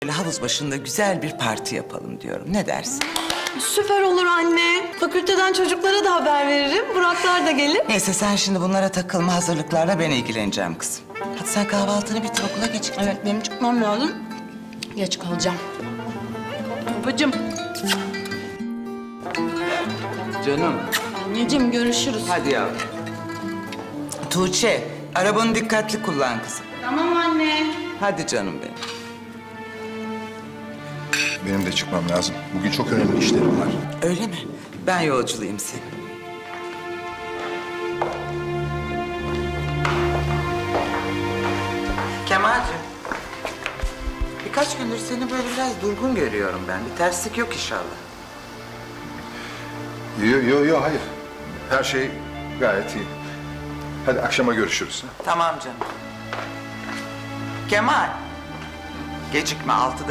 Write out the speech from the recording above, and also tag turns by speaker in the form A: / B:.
A: Böyle havuz başında güzel bir parti yapalım diyorum. Ne dersin?
B: Süper olur anne. Fakülteden çocuklara da haber veririm. Buraklar da gelir.
A: Neyse sen şimdi bunlara takılma, hazırlıklarla ben ilgileneceğim kızım. Hadi sen kahvaltını bitir, okula geç.
B: Evet, benim çıkmam lazım. Geç kalacağım. Babacığım.
A: Canım.
B: Anneciğim, görüşürüz.
A: Hadi yavrum. Tuğçe, arabanı dikkatli kullan kızım.
B: Tamam anne.
A: Hadi canım benim.
C: Benim de çıkmam lazım. Bugün çok önemli işlerim var.
A: Öyle mi? Ben yolculayayım seni. Kemal'cim. Birkaç gündür seni böyle biraz durgun görüyorum ben. Bir terslik yok inşallah.
C: Yo, hayır. Her şey gayet iyi. Hadi akşama görüşürüz.
A: Tamam canım. Kemal. Gecikme, 6'da